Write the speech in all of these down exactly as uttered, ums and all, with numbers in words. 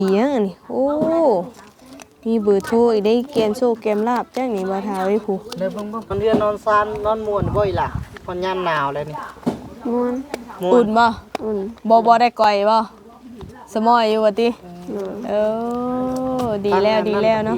เอียงอันนี้โอ้มีเบอร์โทรอีกได้เกมโชคเกมลาบจ้างนี่บ่ทาไว้ผู้เด้อเบิ่งๆมันเรียนนอนซานนอนม่วนบ่อีหล่ะพอนยามหนาวแล้วนี่ม่วนอุ่นบ่อุ่นบ่บ่ได้ก่อยบ่สมอยอยู่ว่าติเออดีแล้วดีแล้วเนาะ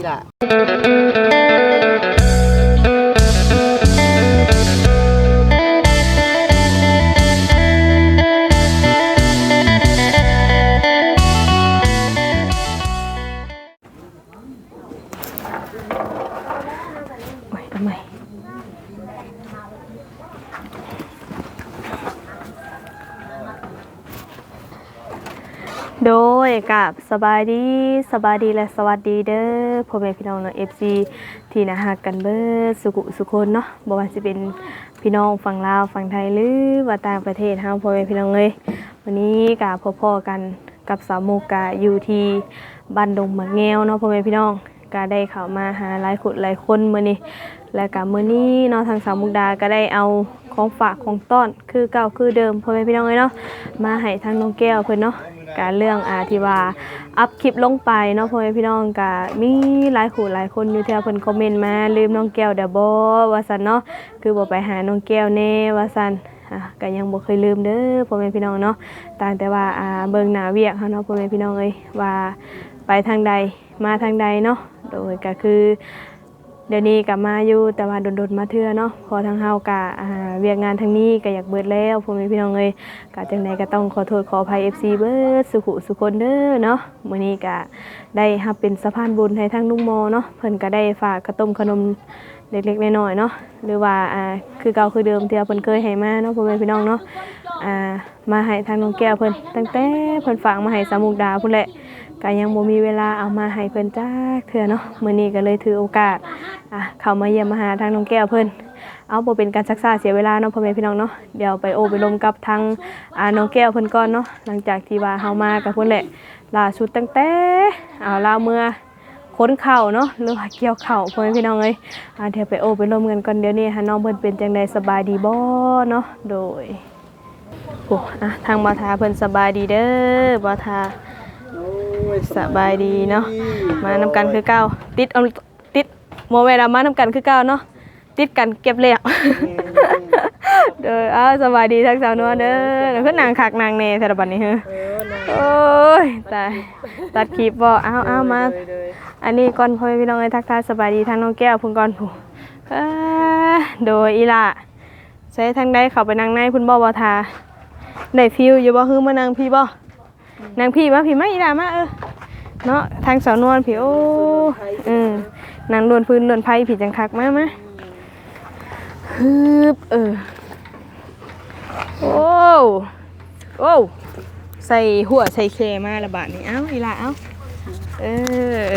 โดยกับสบายดีสบายดีและสวัสดีเด้อพ่อแม่พี่น้องเนาะ เอฟ ซี ที่น่าฮักกันเบิดสุขุสุคนเนาะบ่ว่าสิเป็นพี่น้องฝั่งลาวฝั่งไทยหรือว่าต่างประเทศเฮาพ่อแม่พี่น้องเอ้ยวันนี้ก็พบๆกันกับสาวมุกกะอยู่ที่บ้านดงมะแงวเนาะพ่อแม่พี่น้องก็ได้เข้ามาหาหลายคนหลายคนมื้อนี้และก็มื้อนี้เนาะทางสาวมุกดาก็ได้เอาของฝากของต้อนคือเก่าคือเดิมพ่อแม่พี่น้องเอ้ยเนาะมาให้ทางน้องแก้วเพิ่นเนาะการเรื่องอาที่ว่าอัพคลิปลงไปเนาะพ่อแม่พี่น้องก็มีหลายคู่หลายคนอยู่ที่เพิ่นคอมเมนต์มาลืมน้องแก้วเด้อบ่ว่าซั่นเนาะคือบ่ไปหาน้องแก้วแน่ว่าซั่นอ่ะก็ยังบ่เคยลืมเด้อพ่อแม่พี่น้องเนาะต่างแต่ว่าอ่าเบิ่งหน้าเวียกเฮาเนาะพ่อแม่พี่น้องเอ้ยว่าไปทางใดมาทางใดเนาะโดยก็คือเดี๋ยวนี้ก็มาอยู่แต่ว่าโดนๆมาเทื่อเนาะพอทางเฮาก็อ่าเวียกงานทางนี้ก็อยากเบิดแล้วพ่อแม่พี่น้องเอ้ยก็จังได๋ก็ต้องขอโทษขออภัย เอฟ ซี เบิดสุขุสุคนเด้อเนาะมื้อนี้ก็ได้รับเป็นสะพานบุญให้ทางลุงโมเนาะเพิ่นก็ได้ฝากขนมขนมเล็กๆน้อยๆเนาะหรือว่าอ่าคือเก่าคือเดิมที่เพิ่นเคยให้มาเนาะพ่อแม่พี่น้องเนาะอ่ามาให้ทางน้องแก้วเพิ่นตั้งแต่เพิ่นฝากมาให้สามุกดาพุ่นแหละก็ยังบ่มีเวลาเอามาให้เพิ่นจักเทื่อเนาะมื้อนี้ก็เลยถือโอกาสอ่ะเข้ามาเยี่ยมมาหาทางน้องแก้วเพิ่นเอาบ่เป็นการซักษาเสียเวลาเนาะพ่อแม่พี่น้องเนาะเดี๋ยวไปโอไปลมกับทางอ่าน้องแก้วเพิ่นก่อนเนาะหลังจากที่ว่าเฮามากับเพิ่นแหละล่าสุดตั้งแต่เอาลาวเมื่อค้นเข่าเนาะหรือว่าเกี่ยวเข่าพ่อแม่พี่น้องเอ้ยอ่าเดี๋ยวไปโอไปลมกันก่อนเดี๋ยวนี้หาน้องเพิ่นเป็นจังได๋สบายดีบ่เนาะโดยโอ้อ่ะทางบ่าวทาเพิ่นสบายดีเด้อบ่าวทาสบายดีเนาะมานำกันคือเก่าติดเอาติดโมเวลามานำกันคือเก่าเนาะติดกันเก็บแล้วเด้ออ้าสบายดีทั้งสาวนัวเด้อเพิ่นนางคักนางแน่แต่ละบัดนี้เฮ้อโอ้ยตายตัดคลิปบ่อ้าวๆมาอันนี้ก่อนพ่อพี่น้องเอ้ยทักทายสบายดีทางน้องแก้วพุ่นก่อนผู้เออโดยอีล่ะใช้ทางใดเข้าไปนั่งในพุ่นบ่บ่ทาได้ฟิลอยู่บ่ฮือมานั่งพี่บ่นั่งพี่มาพี่มาอีล่ะมาเออเนาะทางสาวนวลพี่โอ้อืมนั่งโดนพื้นโดนไผพี่จังคักมามาฮึบเออโอ้โอ้ใส่หัวใส่เคมาละบาทนี่เอ้าอีล่ะเอ้าเออ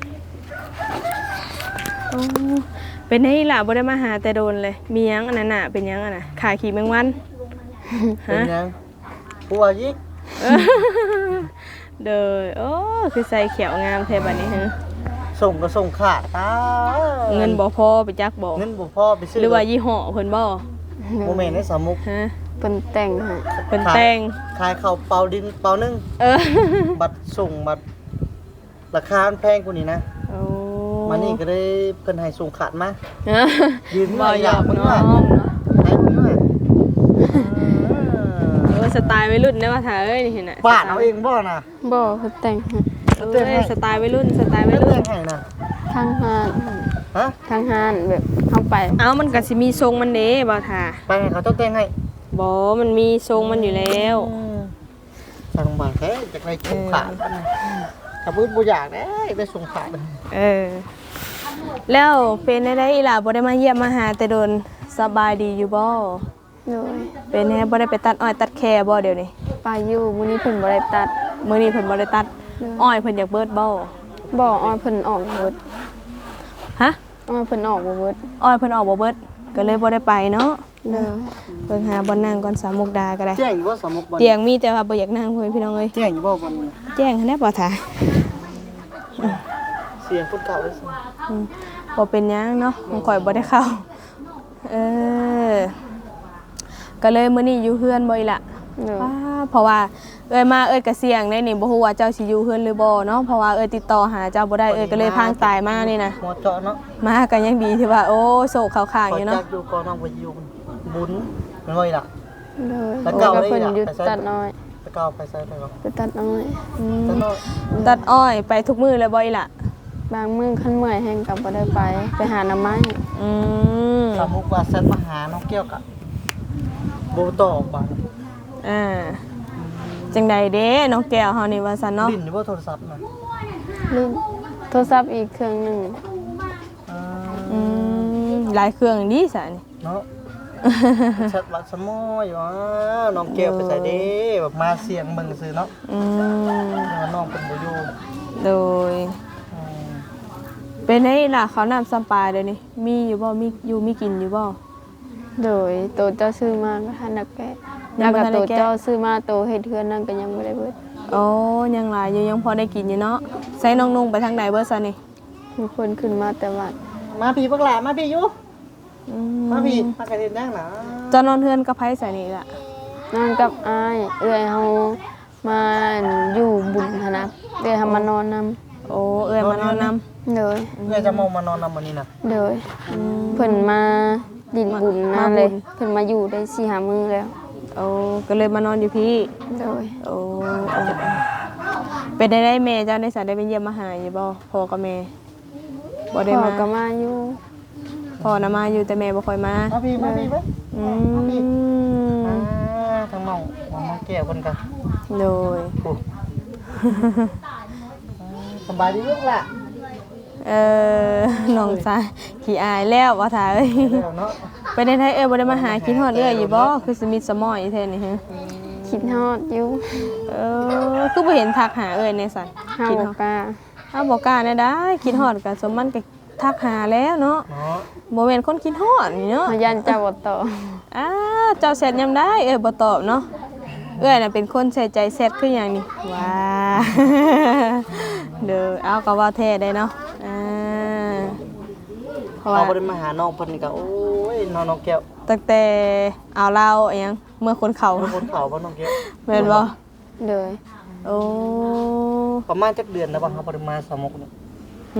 โอ้เป็นให้ล่ะบ่ได้มาหาแต่โดนเลยมีหยังอันนั้นน่ะเป็นหยังอันน่ะขาขี่แมงวันเป็นหยังปัวยิกเด้อโอ้คือใส่เขียวงามแท้บัดนี้ฮะส่งก็ส่งขาดตาเงินบ่พอไปจักบ่เงินบ่พอไปซื้อหรือว่ายี่ห้อเพิ่นบ่โมเมนต์ในสามุกฮะเพิ่นแต่งให้เพิ่นแต่งขายข้าวเปล่าดินเปล่านึงเออบัตรส่งบัตรราคามันแพงกว่านี้นะโอ้มานี่ก็ได้เพิ่นให้ส่งขาดมายืนบ่อยากน้องเนาะให้เพิ่นว่าเออสไตล์วัยรุ่นได้ว่าถ้าเอ้ยนี่เห็นน่ะฟาดเอาเองบ่น่ะบ่เพิ่นแต่งให้เอ้ยสไตล์วัยรุ่นสไตล์วัยรุ่นให้น่ะทางห้านฮะทางห้านแบบเฮาไปเอ้ามันก็สิมีทรงมันเด้บ่ท่าไปให้เขาต้องแต่งให้บ่มันมีทรงมันอยู่แล้วสั่งมาแท้จากไรส่งขาดกับพื้นบ่อยากได้ไปส่งขาดเออแล้วเป็นได้อีหล่ะบ่ได้มาเยี่ยมมาหาแต่โดนสบายดีอยู่บ่โดยเป็นแฮบ่ได้ไปตัดอ้อยตัดแคบ่เดี๋ยวนี้ไปอยู่มื้อนี้เพิ่นบ่ได้ตัดมื้อนี้เพิ่นบ่ได้ตัดอ้อยเพิ่นอยากเบิดบ่บ่อ้อยเพิ่นออกเบิดฮะอ้อยเพิ่นออกบ่เบิดอ้อยเพิ่นออกบ่เบิดก็เลยบ่ได้ไปเนาะเด้อเบิ่งหาบ่นั่งก่อนสามมุกดาก็ได้แจ้งอยู่บ่สามมุกบ่เตียงมีแต่ว่าบ่อยากนั่งพ่อพี่น้องเอ้ยแจ้งอยู่บ่บ่แจ้งแน่บ่ท่าเสียงคนเก่าเลยสิอืมบ่เป็นหยังเนาะของข่อยบ่ได้เข้าเออก็เลยมื้อนี้อยู่เฮือนบ่อีหล่ะป้าเพราะว่าเอ้ยมาเอ้ยก็เสี่ยงได้นี่บ่ฮู้ว่าเจ้าสิอยู่เฮือนหรือบ่เนาะเพราะว่าเอ้ยติดต่อหาเจ้าบ่ได้เอ้ยก็เลยพางตายมานี่นะหมอเจาะเนาะมาก็ยังดีที่ว่าโอ้โศกเข้าข้างขออยู่จัเนาะกอยู่ก่อนน้องไปอยู่บุญมันไว้ล่ะเลยแล้วโอ้เก่าก็ได้เพิ่นล่ะหยุดไปใส่ตัดน้อยไปเก่าไปใส่ไปก่อนไปตัดน้อยอืมแต่น้อยตัดอ้อยไปทุกมื้อเลยบ่อีหล่ะบางมื้อคันเมื่อยแฮงก็บ่ได้ไปไปหาหน่อไม้อืมสมมุติว่าเซตมาหาน้องเกี้ยวกะบ่ตอบบัดอ่าจังใดเด้น้องแก้วเฮานี่ว่าซั่นเนาะลิ้นอยู่บ่โทรศัพท์น่ะลืมโทรศัพท์อีกเครื่องหนึงอ่าอืมหลายเครื่องดีซะนี่เนาะชัดวัดสมอยอยู่อ่าน้องเกี้ยวไปใส่เด้แบบมาเสียงเบิ่งซื่อเนาะอืมว่าน้องเป็นบ่อยู่โดยอืมเป็นไงล่ะเขาวน้ำซ้ำปลาเดี๋ยวนี้มีอยู่บ่มีอยู่มีกินอยู่บ่โดยโตเจ้าซื้อมาก็ทันนักแกะยัแล้งวบ่ก็ทันได้โตแกะเจ้าซื้อมาโตเฮ็ดเทือนนั่นก็ยังบ่ได้เบิดโอ้ยังหลายอยู่ยังพอได้กินอยู่เนาะใส่น้องนุ่งไปทางไหนเบิดซะนี่มีคนขึ้นมาแต่วัดมาพี่บักหลามาพี่อยู่อืมาพี่มากระเด็นย่างหนาเจะนอนเฮือนกับไผใส่นี่ล่ะนอนกับอ้ายเอื้อยเฮามาอยู่บุญหันนะเอื้อยเฮามานอนนำโอ้เอ้ยมานอนนำเลยเพื่อจะมองมานอนนำวันนี้นะเลยเพิ่นมาดินบุญนั่นเลยเพิ่นมาอยู่ได้สี่ห้ามื้อแล้วโอ้ก็เลยมานอนอยู่พี่เลยโอ้โอ้เป็นได้ได้แม่เจ้าได้สาได้ไปเยี่ยมมาหาอยู่บ่พ่อกับแม่บ่ได้พ่อมาก็มาอยู่พ่อน่ะมาอยู่แต่แม่บ่ค่อยมามาพี่มาพี่ไหมอือ่าม ทางน้องมองน้องแก้วคนกันโดยโอ้สบายดีลูกล่ะเออ น้องสายขี้อายแล้วว่าถ่าเอ้ยเดี๋ยวเนาะไปในไทยเอ้ยบ่ได้มาหากินฮอดเอ้ยอยู่บ่คือสมิทสมอยแท้นี่ฮะคิดฮอดอยู่เออคือบ่เห็นทักหาเอ้ยในสันเฮาคิดบ่ฮอดกล้าอ้าวบ่กล้าแน่ได้คิดฮอดก็สมมันก็ทักหาแล้วเนาะเนาะบ่แม่นคนคิดฮอดนี่เนาะเฮายันเจ้าบ่ตอบอ้าเจ้าแชทยามได้เอ้ยบ่ตอบเนาะเอ้ยน่ะเป็นคนใส่ใจแชทคือหยังนี่ว้า เด้อเอาก็ว่าแท้ได้เนาะอ่าเพราะว่าเขาบ่ได้มาหาน้องเพิ่นนี่ก็โอ้ยน้องน้องแก้วตั้งแต่เอาเหล้าอิหยังเมื่อคนเขาเพิ่นคนเขาบ่น้องแก้วแม่นบ่เลยโอ้ประมาณจักเดือนแล้วบ่เขาบ่ได้มาสามมุกนี่หึ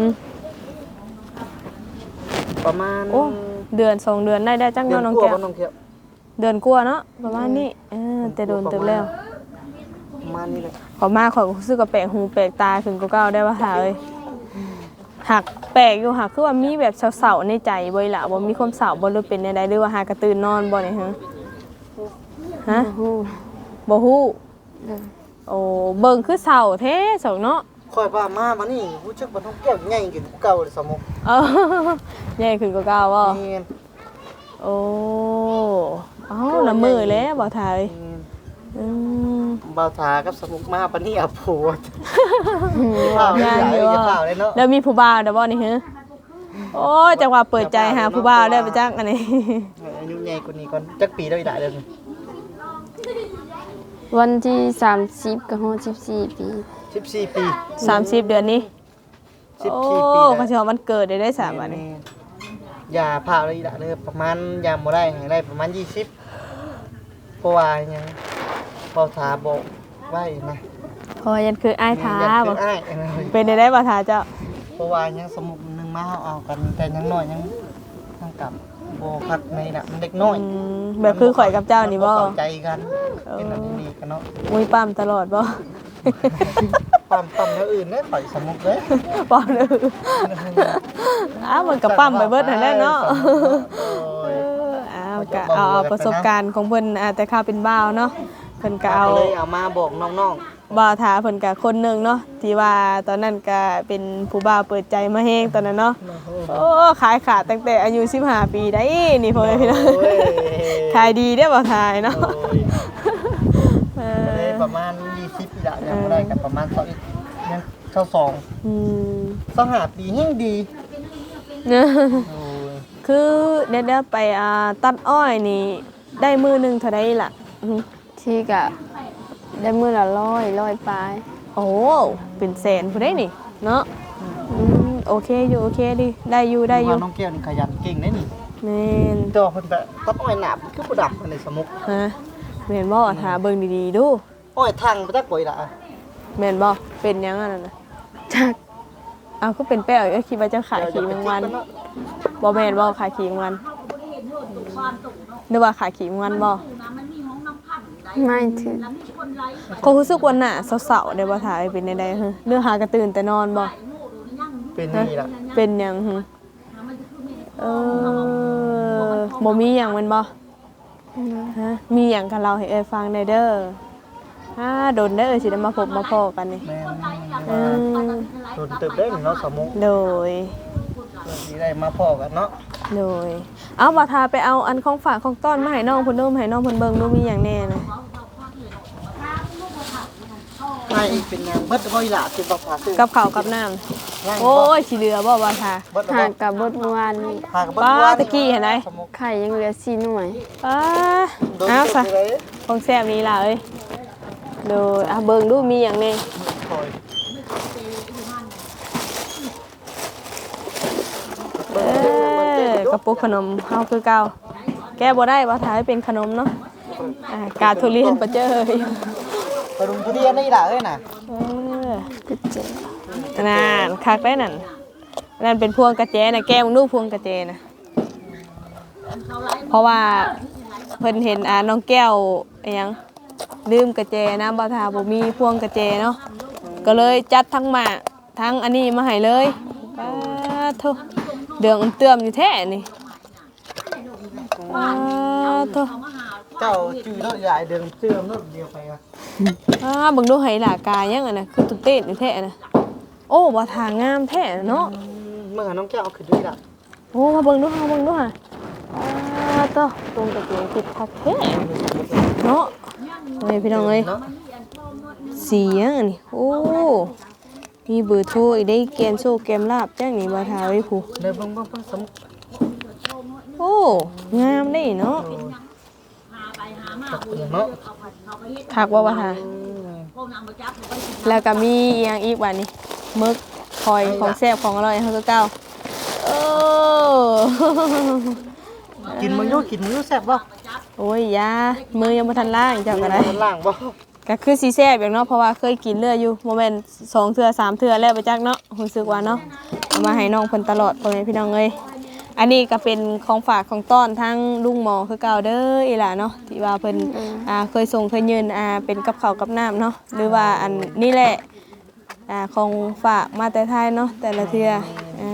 ประมาณโอ้เดือนสองเดือนได้ได้จังเดือเนาะนน้องกว่าแก้วบ่น้องแก้วเดือนกว่าเนาะประมาณนี้เออแต่โดนเติบแล้วประมาณนี้เลยขอมาขอยก็รู้สึกว่าแปลกหูแปลกตาขึ้นกว่าเก่าได้ว่าหาเอ้ยหักแปลกอยู่หักคือว่ามีแบบเศร้าๆในใจบ่อีหล่ะบ่มีความเศร้าบ่หรือเป็นใดๆหรือว่าหากระตื่นนอนบ่นี่ฮะฮะฮู้บ่ฮู้เลยโอ้เบิ่งคือเศร้าแท้สองเนาะค่อยว่ามามานี่รู้จักว่าน้องแก้วใหญ่ขึ้นกว่าเก่าเลยสามมุกเออใหญ่ขึ้นกว่าเก่าบ่นี่โอ้เอ้าละมือแล้วบ่ทายอืมบ่าวถากับสมุกมาปานนี้เอาผัวเปล่าอย่าอย่าเปล่าเลยเนาะแล้วมีผู้บ่าวเด้อบ่นี่ฮะโอ้ยจังว่าเปิดใจหาผู้บ่าวได้ไปจักอันนี้อายุใหญ่กว่านี้ก่อนจักปีได้ได้เลยวันที่สามสิบกับฮอดสิบสี่ปีสิบสี่ปีสามสิบเดือนนี้สิบโอ้สี่ปีก็สิว่ามันเกิดได้ได้สามวันนี้อย่าพาเลยได้เลยประมาณยามบ่ได้ให้ได้ประมาณยี่สิบเพราะว่าหยังบ่าวถาบอกไว้นะเพราะว่ายันคืออ้ายท้าอย่บ่คืออ้ายนะเป็นได้ได้บ่ท้าเจ้าเพราะว่ายังสมุกนึงมาเอาเอากันแต่ยังน้อยยังยังกลับบ่คักในน่ะมันเด็กน้อยอืมแบบคือข่อยกับเจ้านี่บ่เข้าใจกันเป็นอันนี้กันเนาะมุ้ยปั้มตลอดบ่ปั๊มปั๊มแล้วอื่นได้ข่อยสมุกเลยป้อมเด้ออ้าวมันก็ปั้มไปเบิดนั่นแหละเนาะโอ้เอย ออ้าวก็เอาเอาประสบการณ์ของเพิ่นอ่าแต่ข้าวเป็นบ่าวเนาะเพิ่นก็เอาก็เลยเอามาบอกน้องบ่าวถาเพิ่นก็คนหนึงเนาะที่ว่าตอนนั้นก็เป็นผู้บ่าวเปิดใจมาแฮงตอนนั้นเนาะๆโอ้ขายขาดตั้งแต่อายุสิบห้าปีได้นี่พ่อแม่พี่น้องโอ้ยขายดีเด้อบ่าวทายเนาะโอ้ยเอก็เลยอประมาณยี่สิบปีละยังบ่ได้กับประมาณสองยังเท่าสองอืมสองหาปียิ่งดีเนอะโอ้ยคือเดี๋ยวๆไปอ่าตัดอ้อยนี่ได้มือหนึงเท่าใดล่ะอือหือที่กะได้มื้อละร้อยร้อยปลายโอ้เป็นแสนผู้ได้นี่เนาะอืมโอเคอยู่โอเคดิได้อยู่ได้อยู่ว่าน้องแก้วนี่ขยันเก่งได้นี่แม่นตัวเพิ่นแบบตัดอ้อยหนาบคือบ่ดับอันในสมุกฮะแม่นบ่ถ้าเบิ่งดีๆดูโอ้ยทางไปจักบ่อยล่ะแม่นบ่เป็นหยังอันนั้นน่ะจักเอาก็เป็นแป้วก็คิดว่าเจ้าขายขี่แมงวันบ่แม่นบ่ขายขี่แมงวันหรือว่าขายขี่แมงวันบ่ไม่ถึงก็รู้สึกว่าหน้าเศร้าๆได้บ่ถ่ายเป็นใดๆฮะเรื่องหากระตื่นแต่นอนบ่เป็นนี่ล่ะเป็นหยังหึเออบ่มีหยังแม่นบ่ฮะมีหยังกับเราให้เอ้ยฟังได้เด้ออ่าโดนได้เอ้ยสิได้มาพบมาพ้อกันนี่แม่นอืมโดนตึบได้เนาะสมุกโดยสิได้มาพ้อกันเนาะโดยเอาบ่ทาไปเอาอันของฝากของต้อนมาให้น้องเพิ่นเด้อมาให้น้องเพิ่นเบิ่งดูมีหยังแน่นะไอ้อีกเป็นหยังเบิดบ่อีหล่ะสิบ่พาซื้อกับข้าวกับน้ำโอ้ยสิเหลือบ่บ่ทาเบิดหากกับบดเมื่อวานนี้พากับเบิดป้าว่าตะกี้เห็นไหมไข่ยังเหลือสี่หน่วยป้าโดนเอาตึซะบเลยของแซ่บนี้ล่ะเอ้ยโดยอ่ะเบิ่งดูมีหยังแน่คอยเออกระปุกขนมเฮาคือเก่าแก้บ่ได้บ่ทาให้เป็นขนมเนาะอ่ากาทุเรียนปะเจ้ยไปรุมทุเรียนนี่ล่ะเอ้ยน่ะเออกระเจนั่นคักได้นั่นนั่นเป็นพวงกระเจนะแก้วนูพวงกระเจนะเพราะว่าเพิ่นเห็นอ่าน้องแก้วอิหยังลืมกระเจนะบ่ทาบ่มีพวงกระเจเนาะก็เลยจัดทั้งหมากทั้งอันนี้มาให้เลยป้าโธ่เดืองอุ่นเตื้อมอยู่แท้นี่ป้าโธ่เจ้าจื้อรถใหญ่เดินเสื่อมรถเดียวไปอ่ะอ่าเบิ่งดูไหหลากายังอ่ะนะคือตุ๊เต้นอยู่แท้นะโอ้บ่ทางามแท้เนาะเมื่อน้องแก้วเอาขึ้นด้วยล่ะโอ้มาเบิ่งดูมาเบิ่งดูฮะอ่าต่อตรงกับเสียงติดคักแท้เนาะโอ้ยพี่น้องเอ้ยเนาะเสียงอันนี้โอ้มีเบอร์โทรอีกได้เกมโชว์เกมลาบจังนี่บ่ทาไว้ผู้เดี๋ยวเบิ่งเบิ่งเบิ่งสมุกโอ้งามได้เนาะตักเนาะคักว่าบ่ทาแล้วก็มีอีหยังอีกบัดนี้มึกคอยของแซ่บของอร่อยเฮาคือเก่าโอ้กินมึงอยู่กินมึงอยู่แซ่บบ่โอ้ยยามือยังบ่ทันล้างเจ้าก็ได้มันล่างบ่ก็คือสีแซ่บอย่างเนาะเพราะว่าเคยกินเลืออยู่โมเมนต์สองเทื่อสามเทื่อแล้วไปจักเนาะรู้สึกว่าเนาะเอามาให้น้องเพิ่นตลอดพ่อแม่พี่น้องเอ้ยอันนี้ก็เป็นของฝากของต้อนทั้งลุงหมอคือเก่าเด้ออีหล่ะเนาะที่ว่าเพิ่นอ่าเคยส่งเคยยืนอ่าเป็นกับข้าวกับน้ำเนาะหรือว่าอันนี่แหละอ่าของฝากมาแต่ไทยเนาะแต่ละเทื่ออ่า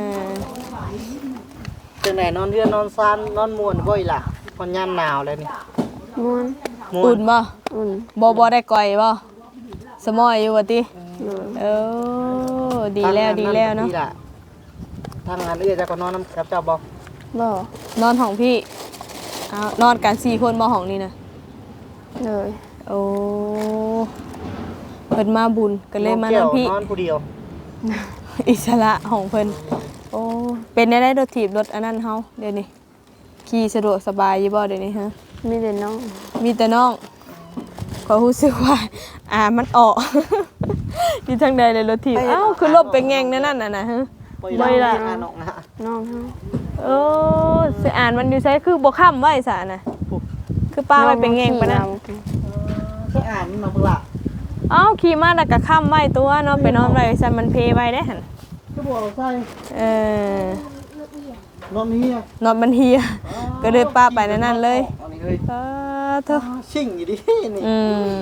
จังไหนนอนเรือนนอนซานนอนม่วนบ่อีหล่ะมันยามหนาวแล้วนี่ม้วนม่วอุ่นนบ่อุ่นบ่บ่ได้ก่อยบ่สมอยอยู่ว่าติเลยเออดีแล้วดีแล้วเนาะทางงานเอื้อจะก็นอนน้ำกับเจ้าบ่บ่นอนห้องพี่อ้าวนอนกันสี่คนมาห้องนี่นะเลยโอ้เพิ่นมาบุญก็เลยมานอนพี่นอนผู้เดียวอิสระของเพิ่นโอ้เป็นได้ได้รถถีบรถอันนั้นเฮาเดี๋ยวนี้ขี่สะดวกสบายอยู่บ่เดี๋ยวนี้ฮะมีแต่น้องมีแต่น้องก็รู้สึกว่าอ่ามันออก อยู่ทางใดเลยรถถีบอ้าวคือลบไปแงงนั่นน่ะนะฮะบ่บ่อีอีหหล่ะล่ะน้องนะน้องเฮาโอ้สิอ่านมันอยู่ไสคือบ่ค้ำไว้ซะน่ะคือป้าไว้เป็นแงงปะนะไปอ่านมาเบิ่งล่ะเอ้าขี่มาแล้วก็ค้ำไว้ตัวเนาะไปนอนไว้ซั่นมันเพไว้ได้หั่นคือบ่เอาใส่เออนอนนี่นอนมันเฮียก็เลยป้าไปในนั้นเลยอันนี้เลยป้าเถอะชิ่งอยู่ดินี่อืม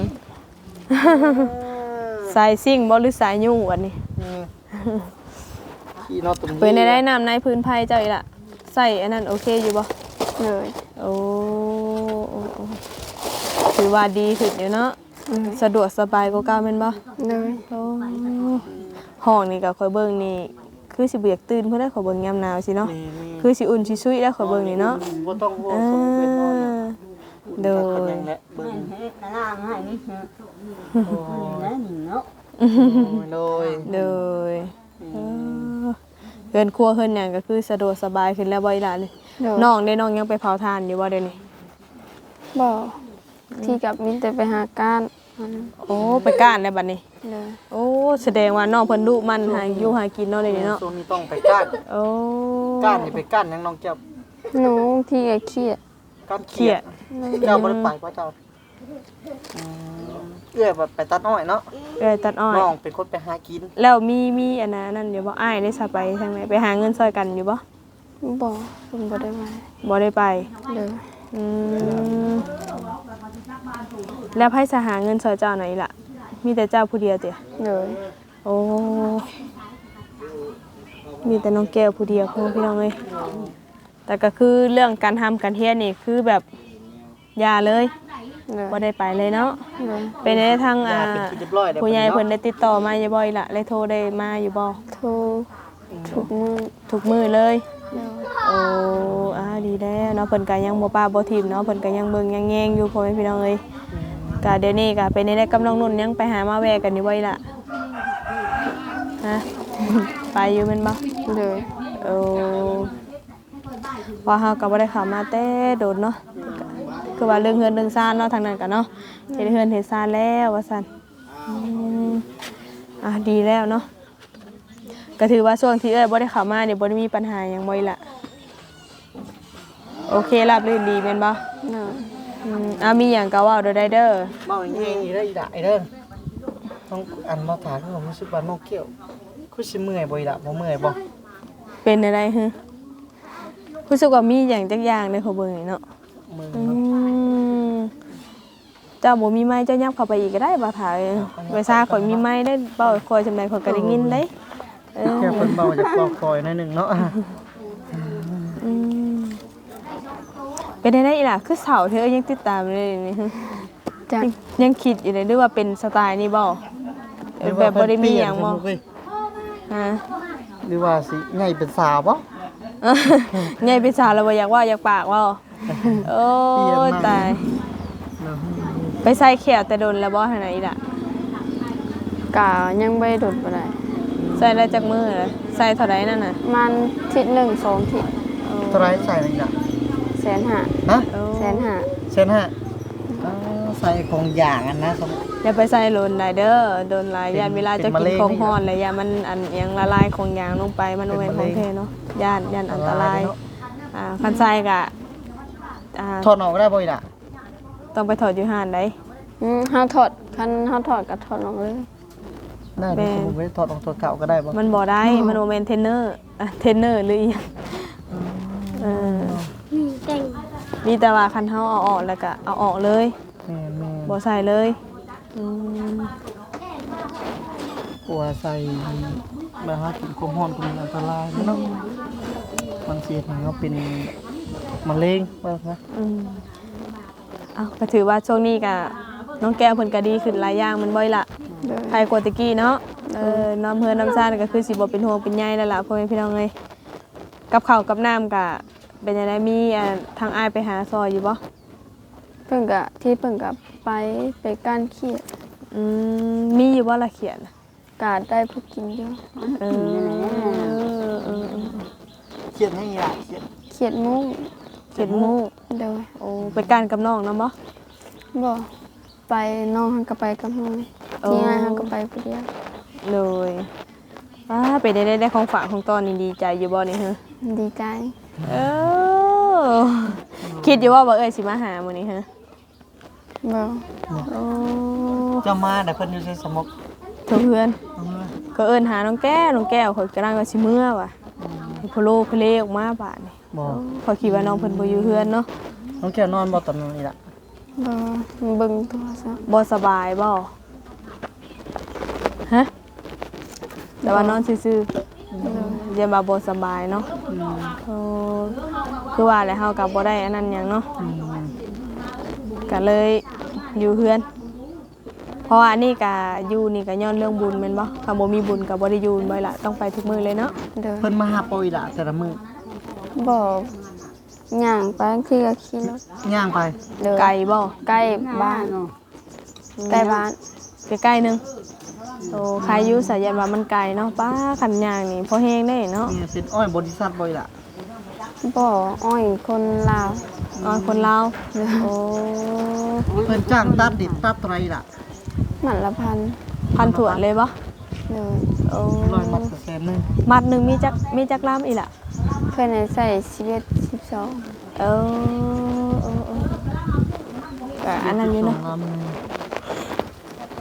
สายซิ่งบ่หรือสายยุ่งวันนี้ขี่นอนตรงนี้เปิดในได้น้ำในพื้นไผ่เจ้าอีละใส่อันนั้นโอเคอยู่บ่เลยโอ้โอ้โอ้ถือว่าดีขึ้นอยู่เนาะสะดวกสบายกว่าเก่าแม่นบ่เลยโอ้ห้องนี่ก็ค่อยเบิ่งนี่คือสิบ่อยากตื่นเพิ่นได้ขอยเบิ่งยามหนาวสิเนาะนี่คือสิอุ่นสิซุยแล้วขอยเบิ่งนี่เนาะบ่ต้องห่วงอ่าสมเป็นนอนนะโดคนยยังแหละเบิ่งกระล่างให้นี่ฮะโอ้แล้วหนิเนาะโดยโดยเออเฮือนครัวเฮือนหยังก็คือสะดวกสบายขึ้นแล้วบ่อีหล่ะนี่เลยน้องได้น้องยังไปเผาถ่านอยู่บ่เดี๋ยวนี้บ่ที่กับมินแต่ไปหาก้านอันนั้นโอ้ไปก้านแล้วบัดนี้เลยโอ้แสดงว่าน้องเพิ่นดุมันหาอยู่หากินเนาะเดี๋ยวนี้เนาะช่วงนี้ต้องไปก้านโอ้ก้านนี่ไปก้านยังน้องเจ้าหนูที่ก็เครียดก้านเขียดเจ้าบ่ได้ไปป่ะเจ้าอืมอื้อยแบบไปตัดอ้อยเนาะเอ้ยตัดอ้อยน้องเป็นคนไปหากินแล้วมีมีอันนั้นนั่นอยู่บ่อ้ายได้สะไปทางไหนไปหาเงินซอยกันอยู่บ่บ่เพิ่นบ่ได้มาบ่ได้ไปเลยอืมแล้วไผสหาเงินซอยเจ้าไหนล่ะ มีแต่เจ้าผู้เดียวติเลยโอ้มีแต่น้องแก้วผู้เดียวพ่อพี่น้องเอ้ยแต่ก็คือเรื่องการทำการเฮียนนี่คือแบบอยาเลยเลยบ่ได้ไปเลยเนาะเลยเป็นได้ทางอ่าเป็นที่เรียบร้อยแล้วผู้ใหญ่เพิ่นได้ติดต่อมาอยู่บ่อยล่ะเลยโทรได้มาอยู่บ่โทรทุกมื้อทุกมื้อเลยเลยโอ้อาดีแล้วเนาะเพิ่นก็ยังบ่ป้าบ่ทิ่มเนาะเพิ่นก็ยังเบิ่งยังแยงอยู่พ่อแม่พี่น้องเอ้ยก็เดี๋ยวนี้ก็เป็นได้กับน้องนุ่นยังไปหามาแวะกันอยู่บ่อยล่ะฮะ ไปอยู่แม่นบ่เลยโอ้ว่าเฮาก็บ่ได้เข้ามาแต่โดนเนาะคือว่าเรื่องเฮือนเรื่องซ่านเนาะทางนั้นก็เนาะเฮ็ดเฮือนเฮ็ดซ่านแล้วว่าซั่นอืมอ่ะดีแล้วเนาะก็ถือว่าช่วงที่เอ้ยบ่ได้เข้ามานี่บ่ได้มีปัญหาหยังบ่อยล่ะโอเคราบรื่นดีแม่นบ่เลยอืมอ่ะมีหยังก็เว้าเด้อได้เด้อเมาอย่างนี้อีได้อีได้เด้อน้องอันมาถามคือผมรู้สึกว่าน้องเกี่ยวคือสิเมื่อยบ่อีละบ่เมื่อยบ่เป็นอะไรฮึรู้สึกว่ามีหยังจักอย่างในเขาเบิ่งนี่เนาะเมื่อยอืมเจ้าบ่มีไม้เจ้ายับเข้าไปอีกก็ได้บ่ถ่ายไว้ซ่าข่อยมีไม้ได้เป้าคอยจำได้ข่อยก็ได้ยินได้เออแค่เพิ่นเบาจากปอกคอยหน่อยหนึงเนาะอืมเป็นได้ได้อีหล่ะคือเสาเธอยังติดตามเลยนี่ฮึจักยังยังคิดอยู่เลยด้วยว่าเป็นสไตล์นี้บ่เออแบบบ่ได้มีหยังบ่ ฮะหรือว่าสิใหญ่เป็นสาวบ่ไงเป็นสาวแล้วบ่อยากว่าอยากปากว่าโอ้ยตายไปใส่เขียวแต่โดนแล้วบ่ทางไหนอีล่ะกะยังบ่ได้โดดบ่ได้ใส่ได้จากมือเหรอใส่เท่าไหร่นั่นน่ะมันทิศหนึ่ง สองทิศเท่าไรใส่อะไรล่ะแสนห้าฮะโอ้แสนห้าเส้นห้าอ๋อใส่ของอย่างอันนะสมอย่าไปใส่โลนหลายเด้อโดนหลายเป็นยานเวลาจะเป็นมะกินเร็งของฮ้อนเลยยามันอันหยังละลายของยางลงไปมันบ่แม่นของแท้เนาะย่านย่านอันตรายอันตรายเนาะอ่าคันใส่ก็อ่าถอดออกได้บ่อีล่ะต้องไปถอดอยู่ห้านได้อืมเฮาถอดคันเฮาถอดก็ถอดลงเลยได้แม่ดิผมไม่ได้ถอดออกถอดเก่าก็ได้บ่มันบ่ได้มันบ่แม่นเทรนเนอร์อ่ะเทรนเนอร์หรืออีหยังเออมีแต่ว่าคันเฮาเอาออกแล้วก็เอาออกเลยแม่แม่บ่ใส่เลยอืมกลัวใส่มาหากินความร้อนก็มีอันตรายเนาะบางทีมันก็เป็นมะเร็งว่าซะอืมเอาก็ถือว่าช่วงนี้ก็น้องแก้วเพิ่นก็ดีขึ้นหลายอย่างมันบ่อยละเลยใครกว่าตะกี้เนาะเออน้ำเฮือน้ำซ่านก็คือสิบ่เป็นห่วงเป็นใยแล้วล่ะพ่อแม่พี่น้องเอ้ยกับข้าวกับน้ำก็เป็นจังไดมีอ่าทางอ้ายไปหาซอยอยู่บ่เพิ่นก็ที่เพิ่นก็ไปไปก้านเขียดอืมมีอยู่บ่ละเขียนกาได้ผู้กินอยู่เออเออเออเครียดให้อีล่ะเครียดเขียดมุ้งเขียนหมูโดยโอ้ไปกันกับน้องนำบ่บ่ไปน้องหันก็ไปกับน้องโอ้ที่ง่ายหันก็ไปผู้เดียวเลยอ่าไปได้ได้ได้ของฝากของตอนนี่ดีใจอยู่บ่นี่ฮะดีใจเออคิดอยู่ว่าบ่เอ้ยสิมาหามื้อนี้ฮะบ่โอ้เจะมาแต่เพิ่นอยู่ในสมกเพื่อนเออก็เอิ้นหาน้องแก้วน้องแก้วข่อยกำลังว่าสิเมื่อว่ะให้พะโลเพลออกมาบาดนี่บ่ข่อยคิดว่าน้องเพิ่นบ่อยู่เฮือนเนาะน้องแก้วนอนบ่ตอนนี้ล่ะบ่เบิ่งโทรศัพท์บ่สบายบ่ฮะแต่ว่านอนซื่อๆอย่ามาบ่สบายเนาะอืมโอ้คือว่าแล้วเฮาก็บ่ได้อันนั้นหยังเนาะอืมก็เลยอยู่เฮือน เพราะว่านี่ก็อยู่นี่ก็ย้อนเรื่องบุญแม่นบ่ถ้าบ่มีบุญก็บ่ได้อยู่บ่ล่ะต้องไปทุกมื้อเลยเนาะเด้อเพิ่นมาหาปอีล่ะแต่ละมื้อบ่ย่างไปบางทีก็ขี่รถย่างไปเด้อไกลบ่ใกล้บ้านใกล้บ้านใกล้ๆหนึงโอ้ใครอยู่สายันว่ามันไกลเนาะป้าคันย่างนี่พอแฮงได้เนาะนี่เป็นอ้อยบริษัทบ่อีล่ะบ่อ้อยคนลาวอ๋อคนลาวโอ้เพิ่นจ้างตัดดิบตัดไรล่ะหมันละพันพันถั่วนเลยบ่เลยโอ้ร้อยมัดแสนหนึงมัดหนึงมีจักมีจักลามอีหล่ะเพื่อนให้ใส่สิบเอ็ด สิบสองเออเออเออก็อันนั้นอยู่เนาะสองลำ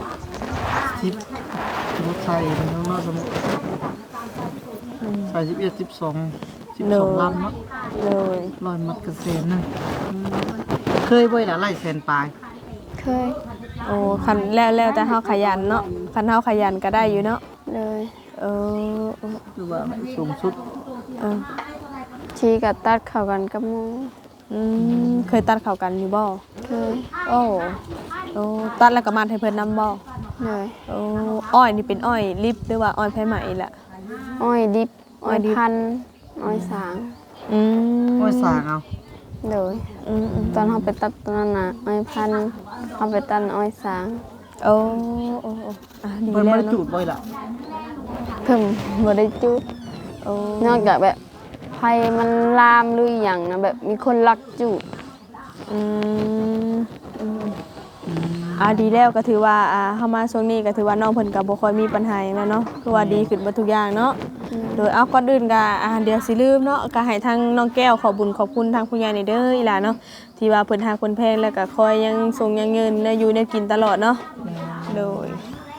สิบรถไทยน้องนอกสมุทรใส่สิบเอ็ดสิบสองสิบสองลำเนาะเลยลอยมัดกระเซนนึงเคยบ่อยละไล่เซนปลายเคยโอ้คันแล้วแล้วแต่เฮาขยันเนาะคันเฮาขยันก็ได้อยู่เนาะเลยเออเออคือว่าสูงสุดเออชีกับตัดเข้ากันกับหมูอืมเคยตัดเข้ากันอยู่บ่เคยโอ้โอ้ตัดแล้วก็มาให้เพิ่นนำบ่เลยโอ้อ้อยนี่เป็นอ้อยลิบหรือว่าอ้อยไผไหมล่ะอ้อยดิบอ้อ้ออย ยดิบพันธุ์อ้อยสางอืมโอ้ยสางเอาเลยอืมอืมตอนเขาไปตัดตอนนั้นน่ะอ้อยพันธุ์เขาไปตัดอ้อยสางโอ้โอ้โอ้อ่ะดีเพิ่นแล้บ่วได้เนาะจูดบ่อยละเพิ่มบ่ได้จุดโอ้นอกจากแบบไฟมันลามหรืออหย่างนะแบบมีคนลักจุดอืมอืมอ่าดีแล้วก็ถือว่าอ่าเข้ามาช่วงนี้ก็ถือว่าน้องเพิ่นก็บ่ค่อยมีปัญหาหยังแล้วเนาะคือว่าดีขึ้นเบ่ทุกอย่างเนาะโดยเอาก่อนอื่นก็อ่าเดี๋ยวสิลืมเนาะก็ให้ทางน้องแก้วขอบุญขอบคุณทางผู้ใหญ่นี่เด้ออีหล่าเนาะที่ว่าเพิ่นหาคนแพงแล้วก็คอยยังส่งยังเงินและอยู่ในกินตลอดเนาะโดย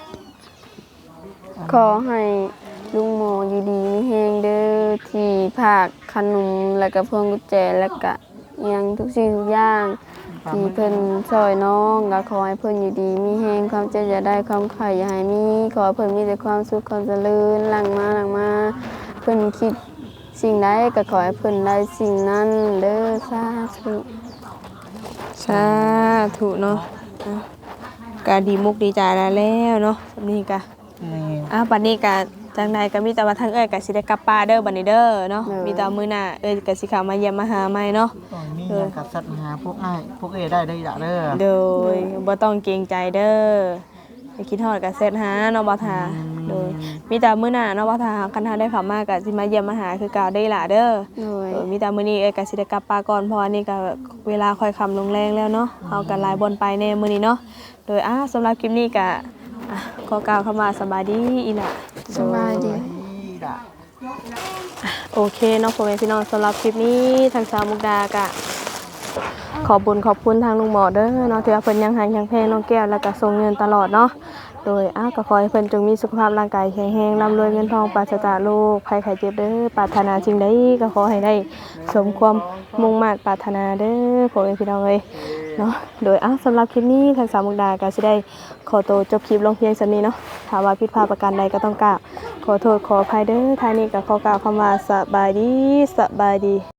ขอให้ลุงโมอยู่ดีมีแฮงเด้อที่ภาคขนมแล้วก็พวงกุญแจแล้วก็อิหยังทุกสิ่งทุกอย่างที่เพิ่นช่วยน้องก็ขอให้เพิ่นอยู่ดีมีแฮงความเจ็บอย่าได้ความไข่อย่าให้มีขอให้เพิ่นมีแต่ความสุขความเจริญหลังมาหลังมาเพิ่นคิดสิ่งใดก็ขอให้เพิ่นได้สิ่งนั้นเด้อสาธุสาธุเนาะอ่ะก็ดีมุกดีใจแล้วแล้วเนาะสำนี้ก็นี่อ่ะบัดนี้ก็จังใดก็มีแต่ว่าทางเอ้ยก็สิได้กลับป่าเด้อบัดนี้เด้อเนาะมีแต่มื้อหน้าเอ้ยก็สิเข้ามาเยี่ยมมาหาใหม่เนาะตอนนี้ยังกับสัตว์หาพวกอ้ายพวกเอได้ได้ละเด้อโดยบ่ต้องเกรงใจเด้อไปคิดฮอดก็เซตหาเนาะบ่ทาโดยมีแต่มื้อหน้าเนาะบ่ทาคันหาได้เข้ามาก็สิมาเยี่ยมมาหาคือเก่าได้ล่ะเด้อโดยเออมีแต่มื้อนี้เอ้ยก็สิได้กลับป่าก่อนเพราะว่านี่ก็เวลาค่อยค่ำลงแรงแล้วเนาะเฮาก็หลายบนไปแน่มื้อนี้เนาะโดยอ่ะสำหรับคลิปนี้ก็อ่ะขอกล่าวคำว่าสบายดีอีหล่ะสบายดีนี่ล่ะโอเคเนาะพ่อแม่พี่น้องสำหรับคลิปนี้ทางสาวมุกดากะขอบคุญขอบคุณทางลุงหมอเด้อเนาะที่ว่าเพิ่นยังหันยังแพงน้องแก้วแล้วก็ส่งเงินตลอดเนาะโดยอ้าวก็ขอให้เพิ่นจงมีสุขภาพร่างกายแข็งแรงร่ำรวยเงินทองปราศจากโรคภัยไข้เจ็บเด้อปรารถนาสิ่งใดก็ขอให้ได้สมความมุ่งมั่นปรารถนาเด้อพ่อแม่พี่น้องเอ้ยเนาะโดยอ้าวสำหรับคลิปนี้ทางสาวมุกดาก็สิได้ขอตัวจบคลิปลงเพียงเท่านี้เนาะถ้าว่าผิดพลาดประการใดก็ต้องกราบขอโทษขออภัยเด้อท้ายนี้ก็ขอกล่าวคำว่าสบายดีสบายดี